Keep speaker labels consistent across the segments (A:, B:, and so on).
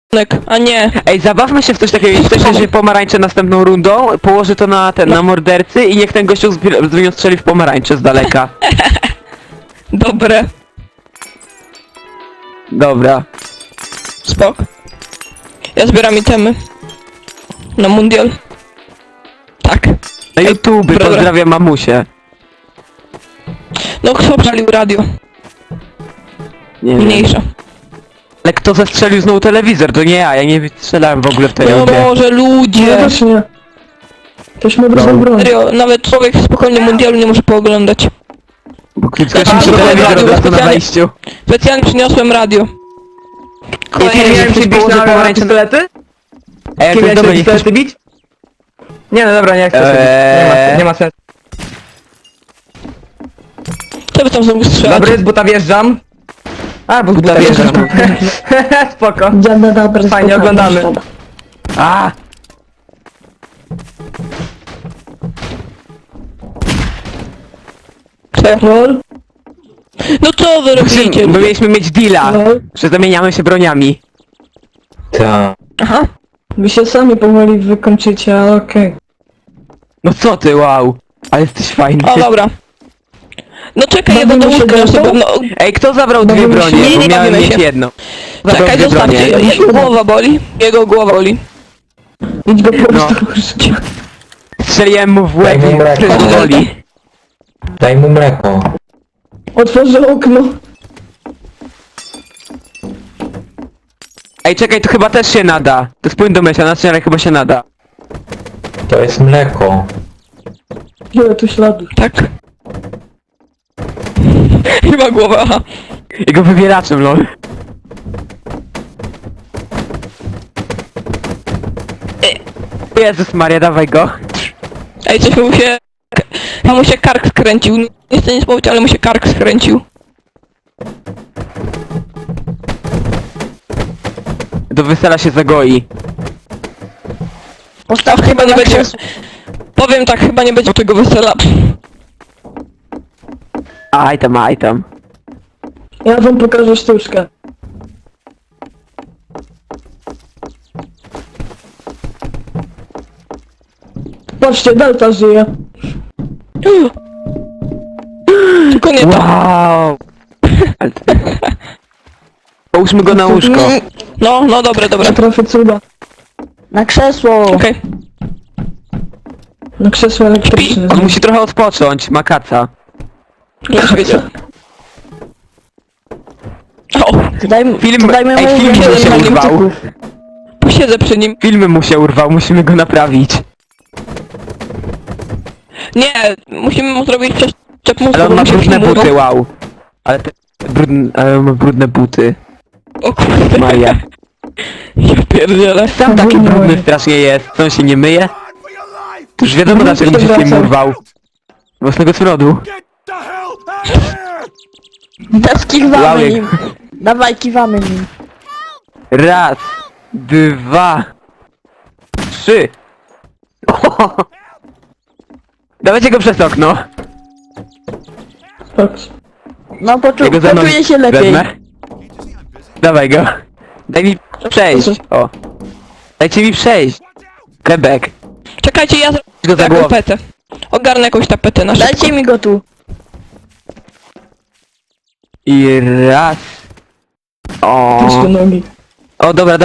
A: A nie.
B: Ej, zabawmy się w coś takiego, jeśli ktoś weźmie pomarańcze następną rundą, położy to na mordercy i niech ten gościu strzeli w pomarańcze z daleka.
A: Dobre.
B: Dobra.
A: Spok. Ja zbieram itemy. Na mundial. Tak.
B: Na YouTube,
A: dobra.
B: pozdrawiam mamusię.
A: No kto przalił radio?
B: Nie wiem.
A: Mniejsza.
B: Ale kto zestrzelił znowu telewizor? To nie ja nie strzelałem w ogóle w tej
A: No
B: rundzie.
A: może
C: Ja
A: ludzie.
C: też nie. Ktoś ma dobrą broń.
A: Serio, nawet człowiek spokojnie mundialu nie może pooglądać.
B: Bo ktoś
A: A,
B: mi
A: dobra,
B: telewizor
A: radio
B: od razu na
A: specjalnie-
B: wejściu.
A: Specjalnie przyniosłem radio.
B: Nie miałem ci bić na pistolety? Ej, to jest dobre, nie chcesz...
D: bić? Nie, no dobra, nie chcę się bić. Nie ma sensu.
A: Co wy tam znowu strzelacie?
D: Dobry, z buta wjeżdżam. A, bo z buta wjeżdżam. Spoko.
C: Dziada dobra,
D: Fajnie,
C: spokojnie,
D: oglądamy.
C: szkoda.
B: A!
C: Lol,
A: No co wy robicie?
B: My mieliśmy mieć deala,
C: lol.
B: że zamieniamy się broniami.
A: Aha.
C: Wy się sami powoli wykończycie, ale okej.
B: No co ty, wow. Ale jesteś fajny.
A: O dobra. No czekaj, ja do
C: Bawimy się
A: łóżka na
C: grą?
A: sobie. No,
B: Ej, kto zabrał dwie
C: Bawimy się?
B: bronie?
A: Nie,
B: Bo
A: nie
B: miałem
A: bawimy
B: mieć
A: się.
B: jedno. Zabrał
A: czekaj,
B: dwie bronie.
A: zostawcie. Jego głowa boli. Jego głowa boli.
C: Idź go po prostu
B: No.
C: użyć.
B: Strzeliłem mu w łeb
E: Daj mu
B: i
E: mleko.
B: wszystko boli.
E: Daj mu mleko.
C: Otworzę okno.
B: Ej, czekaj, to chyba też się nada. To jest płyn do mycia, na ale chyba się nada.
E: To jest mleko.
C: Ile tu śladów.
A: Tak. Chyba głowa, aha.
B: Jego wybieraczem, lol. Jezus Maria, dawaj go.
A: Ej, coś mu się... mu się kark skręcił. Nie chcę nic powiedzieć, ale mu się kark skręcił.
B: Do wesela się zagoi.
A: A chyba nie będzie... Powiem tak, chyba nie będzie tego wesela.
B: Aj tam, aj tam.
C: Ja wam pokażę sztuczkę. Patrzcie, Delta żyje.
A: Tylko nie to.
B: Wow. Ale to- Połóżmy go na łóżko.
A: No, dobre, dobre.
C: Ja trafię cuda.
F: Na krzesło!
A: Okej.
C: Na krzesło elektryczne.
B: On musi trochę odpocząć, ma kaca.
A: Już wiedział. O,
B: Film,
F: dajmy
B: ej,
F: mu
B: film mu
A: jeden
B: się
A: na
B: urwał.
A: posiedzę przy nim.
B: Filmy mu się urwał, musimy go naprawić.
A: Nie, musimy mu zrobić przeszczep mózgu,
B: Ale on
A: bo
B: ma
A: mu się
B: brudne
A: film urwał.
B: buty, wow. Ale te ale on ma brudne buty.
A: O kurde.
B: Maria.
A: Ja pierdzielę.
B: Sam taki
C: Brudny.
B: brudny strasznie jest. Co, on się nie myje? To już wiadomo dlaczego mu się film urwał. Własnego smrodu.
F: Teraz kiwamy
B: Ławek.
F: nim. Dawaj, kiwamy nim.
B: Raz, dwa, trzy. Dawajcie go przez okno.
C: Patrz.
F: No
B: Jego ze mną
F: poczuję się lepiej.
B: wezmę. Dawaj go. Daj mi przejść. O. Dajcie mi przejść. Quebec.
A: Czekajcie, ja
B: Go
A: zrobię
B: za głowę.
A: tapetę. Ogarnę jakąś tapetę na szybko.
F: Dajcie mi go tu.
B: I raz. O.
C: Puść nogi.
B: O, dobra.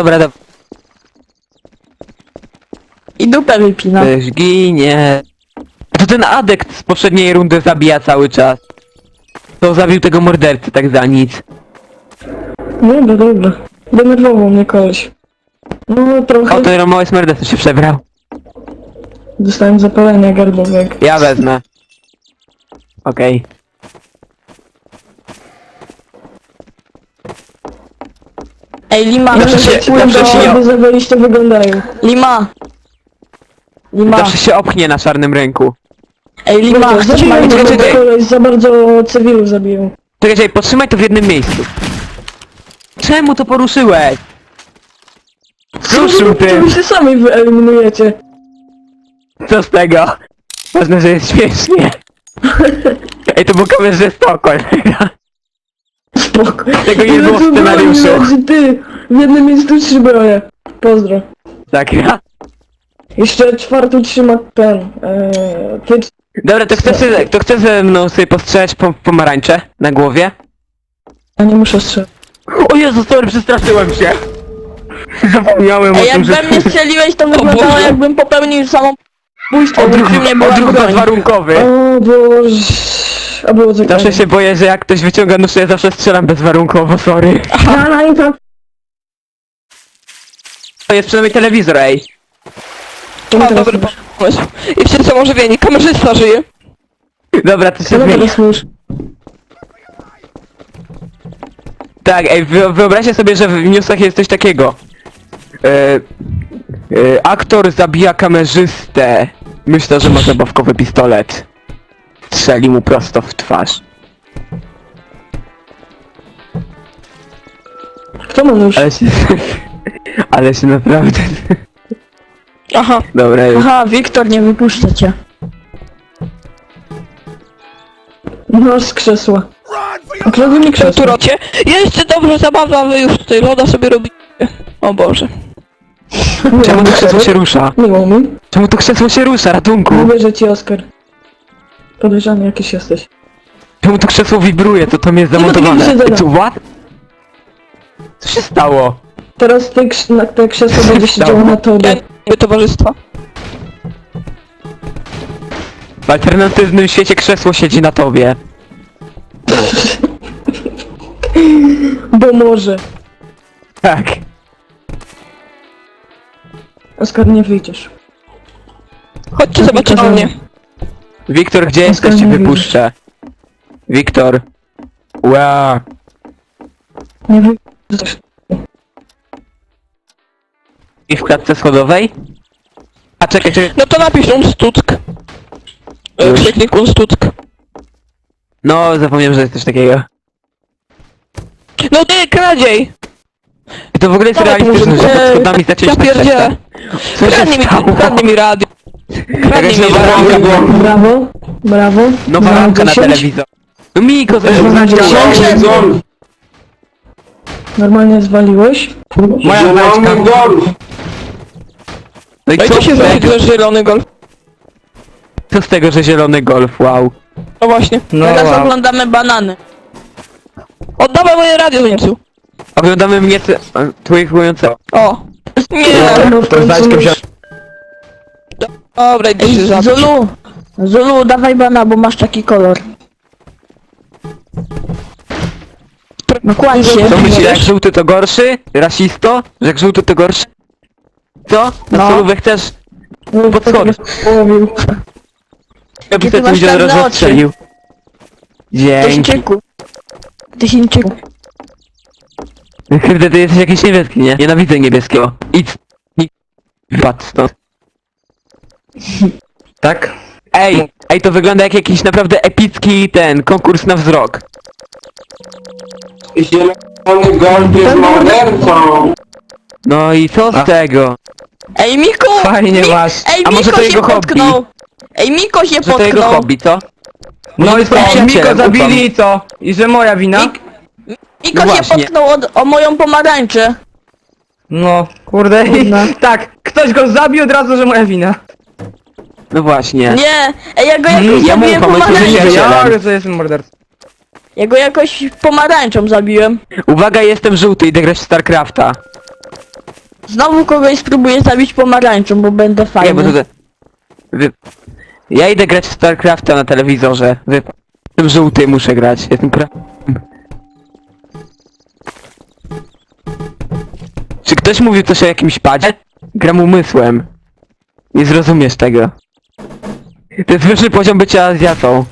F: I dupę wypina.
B: Też ginie. To ten adekt z poprzedniej rundy zabija cały czas. To zabił tego mordercy tak za nic.
C: Dobra. Denerwował mnie koleś. No trochę.
B: O, ten mały morderca się przebrał.
C: Dostałem zapalenia gardłowego.
B: Ja wezmę. Okej.
F: Ej, Lima,
C: Ale
B: Zawsze się-
C: płyną,
B: zawsze się-
C: jakby za wejście wyglądają.
F: Lima. Lima.
B: Zawsze się opchnie na czarnym rynku.
F: Ej, Lima, chcesz
C: Zabiję
F: moje...
B: czekaj,
C: go,
B: czekaj.
C: bo koleś za bardzo cywilów zabiją.
B: Czekaj, podtrzymaj to w jednym miejscu. Czemu to poruszyłeś? Ruszył
C: Wy
B: tym.
C: się sami wyeliminujecie.
B: Co z tego? Ważne, że jest śmiesznie. Ej, to był kamerze Stockholm.
C: Spoko.
B: Tego nie
C: Ile
B: było w
C: tu broni
B: scenariuszu.
C: leży, ty. W jednym miejscu 3 broje. Pozdro.
B: Tak, ja.
C: Jeszcze 4 trzyma ten, ty...
B: Dobra, to chce ze mną sobie postrzelać pomarańcze na głowie?
C: Ja nie muszę strzelać.
B: O Jezu, sorry, przestraszyłem się. Zapomniałem
F: Ej,
B: o
F: jak
B: tym, że...
F: we mnie strzeliłeś, to wyglądało
A: Boże.
F: jakbym popełnił samobójstwo, bo przy mnie była
B: Odruch
F: broń.
B: bezwarunkowy.
C: O Boże... A było co
B: Zawsze się boję, że jak ktoś wyciąga nóż, to ja zawsze strzelam bezwarunkowo, sorry.
C: Na impact.
B: To jest przynajmniej telewizor, ej.
C: To mi
A: A,
C: teraz
A: dobry
C: mówisz.
A: pomysł. I wszyscy są ożywieni. Kamerzysta żyje.
B: Dobra, to się
C: To mi
B: zmieni.
C: teraz mówisz.
B: Tak, ej, wyobraźcie sobie, że w newsach jest coś takiego. Aktor zabija kamerzystę. Myślę, że ma zabawkowy pistolet. Strzeli mu prosto w twarz.
C: Kto ma nóż?
B: Ale się... Ale się naprawdę...
A: Aha.
B: Dobra, już.
F: Aha, Wiktor, nie wypuszczę cię.
C: Nóż z krzesła. Okradł mi
A: Tu
C: krzesło.
A: rocie. Jeszcze dobrze zabawa, wy już tutaj loda sobie robicie. O Boże.
B: Czemu to krzesło się rusza?
C: Miło mi.
B: Czemu to krzesło się rusza? Ratunku!
C: Nie wierzę ci, Oskar. Podejrzany jakiś jesteś.
B: Czemu to krzesło wibruje? To tam jest
C: Nie, bo to
B: zamontowane.
C: nie wysiedzone.
B: Co, what? Co się stało?
C: Teraz te krzesło będzie siedziało na tobie.
A: Jakby towarzystwa.
B: W alternatywnym świecie krzesło siedzi na tobie.
C: Bo może.
B: Tak.
C: Oskar, nie wyjdziesz.
A: Chodźcie zobaczyć na mnie.
B: Wiktor, gdzie
C: Oskar,
B: jesteś? Cię
C: nie
B: wypuszczę. Wiktor. Wow.
C: Nie wyjdziesz.
B: I w klatce schodowej? A czekaj, czekaj.
A: No to napisz Unstuck.
B: Już.
A: Przeklik Unstuck.
B: No, zapomniałem, że jest coś takiego.
A: No ty, kradziej!
B: To w ogóle jest
A: Dawaj,
B: realistyczne, że pod
A: Eee,
B: schodami zacząć
A: ja pierdzielę.
B: Co się
A: Kradnij mi,
B: stało?
A: kradnij mi radio. Kradnij
B: Jakaś
A: mi
B: nowa
A: radio.
B: ramka była.
C: Brawo. Brawo.
B: Nowa
C: Za
B: ramka na
C: 10.
B: telewizor. No Miko,
C: Normalnie zwaliłeś.
B: moja znaczka. No i
A: No i
B: co
A: co się
B: z
A: zrobi,
B: tego?
A: że zielony golf?
B: Co z tego, że zielony golf, wow.
A: No właśnie.
D: No
F: Teraz
D: wow.
F: oglądamy banany.
A: Oddawaj moje radio, Niemcu.
B: Oglądamy mnie twoje
A: O. Nie.
C: No w
D: To znajdźkę
C: końcu
D: wziąć.
A: Dobra, idę się zabić.
F: Zulu! Zulu, dawaj bana, bo masz taki kolor. No kłań się.
B: Co myślisz, jak żółty to gorszy? Rasisto? Że jak żółty to gorszy? Co? Na
F: No.
B: solówek też? Pod schody.
C: połowił.
B: Ja
F: ty
B: bym sobie
F: masz
B: widział,
F: czarne
B: że
F: oczy.
B: rozstrzelił. Dzięki.
F: Chińczyku. Ty Chińczyku.
B: Kurde, ty jesteś jakiś niebieski, nie? Nienawidzę niebieskiego. Idź. Patrz stąd.
D: Tak?
B: Ej, to wygląda jak jakiś naprawdę epicki konkurs na wzrok.
G: Zielony golf jest mordercą!
B: No i co z
D: A.
B: tego?
F: Ej, Miko!
D: Fajnie masz.
F: Ej,
B: A może
F: Miko
B: to
F: się
B: jego hobby?
F: potknął! Ej, Miko się
B: Że to jego
F: potknął!
B: hobby, co?
D: No i co?
B: przyjacielem,
D: Miko zabili
B: ufam.
D: i co? I że moja wina?
F: Miko
B: No
F: się
B: właśnie.
F: potknął o moją pomarańczę.
D: No, kurde.
C: Kurna.
D: Tak, ktoś go zabił od razu, że moja wina.
B: No właśnie.
F: Nie! Ej, ja go jakoś
B: ja mu
F: zabiłem
B: ufam, on się
F: pomarańczą.
B: nie
D: Ja,
B: Przyjacielem.
D: że jestem mordercą.
F: Ja go jakoś pomarańczą zabiłem.
B: Uwaga, jestem żółty, idę grać w StarCrafta.
F: Znowu kogoś spróbuję zabić pomarańczą, bo będę
B: Nie,
F: fajny.
B: bo tutaj... Ja idę grać w StarCrafta na telewizorze. Jestem żółty, muszę grać. Jestem Czy ktoś mówił coś o jakimś padzie? Gram umysłem. Nie zrozumiesz tego. To jest wyższy poziom bycia Azjatą.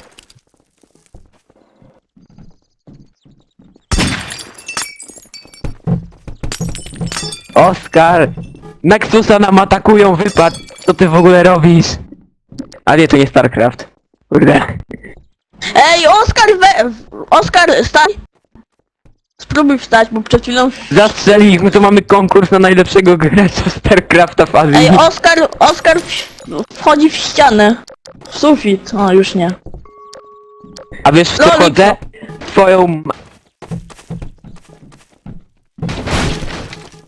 B: Oskar! Nexusa nam atakują, wypad! Co ty w ogóle robisz? A nie, to nie StarCraft. Kurde.
F: Ej, Oskar, stań! Spróbuj wstać, bo przed chwilą...
B: Zastrzeli ich, my tu mamy konkurs na najlepszego gracza StarCrafta w Azji.
F: Ej, Oskar wchodzi w ścianę. W sufit. O, już nie.
B: A wiesz w co
F: Lolik.
B: chodzę? Twoją...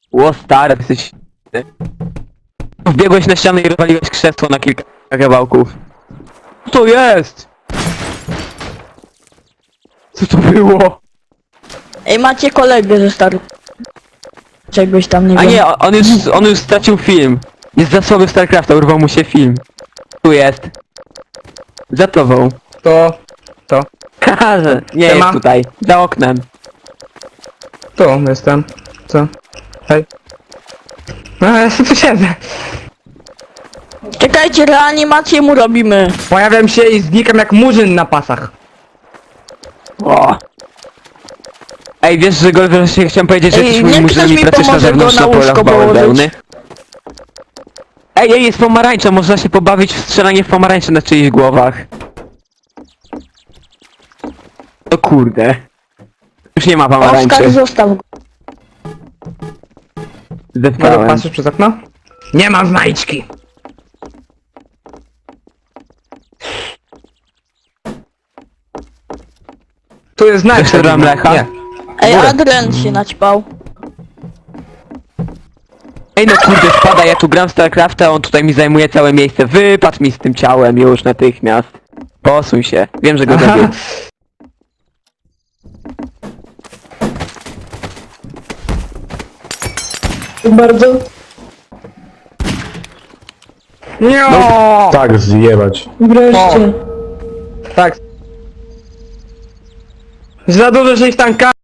B: Ło stary, jesteś... Wbiegłeś na ścianę i rozwaliłeś krzesło na kilka kawałków. Co to jest? Co to było?
F: Ej, macie kolegę ze staru. Czegoś tam nie
B: A
F: wiem.
B: nie, on już stracił film. Jest za słaby w StarCrafta, urwał mu się film. Tu jest. Za tobą.
D: To.
B: Haha, że nie
D: Siema.
B: jest tutaj. Za oknem.
D: Tu jestem. Co? Hej. No, ja tu siedzę.
F: Czekajcie, reanimację mu robimy.
D: Pojawiam się i znikam jak murzyn na pasach.
B: O. Ej, wiesz, że Golfer, się chciałem powiedzieć, że
F: Ej,
B: jesteś
F: niech
B: moim
F: ktoś
B: murzynem i
F: mi
B: pracujesz na
F: pomoże
B: zewnątrz
F: go
B: na
F: na
B: polach
F: łóżko
B: bawełny. Ej, jest pomarańcza, można się pobawić w strzelanie w pomarańcze na czyichś głowach. O kurde. Już nie ma
F: Oskar,
B: pomarańczy.
F: zostaw go.
D: Mogę
B: Zdepnąłem.
D: patrzeć przez okno? Nie mam znajdźki. Tu jest znajdźka.
B: Chcesz trochę mlecha?
D: Nie.
F: Ej,
D: Górę.
F: Adrian się naćpał.
B: Ej no kurde, spada, ja tu gram w StarCrafta, a on tutaj mi zajmuje całe miejsce. Wypadł mi z tym ciałem już natychmiast. Posuń się. Wiem, że go
D: Aha.
B: zabiję.
C: Bardzo.
D: Nie.
E: Tak, zjebać.
C: Wreszcie.
D: Tak. Za dużo się ich tanka.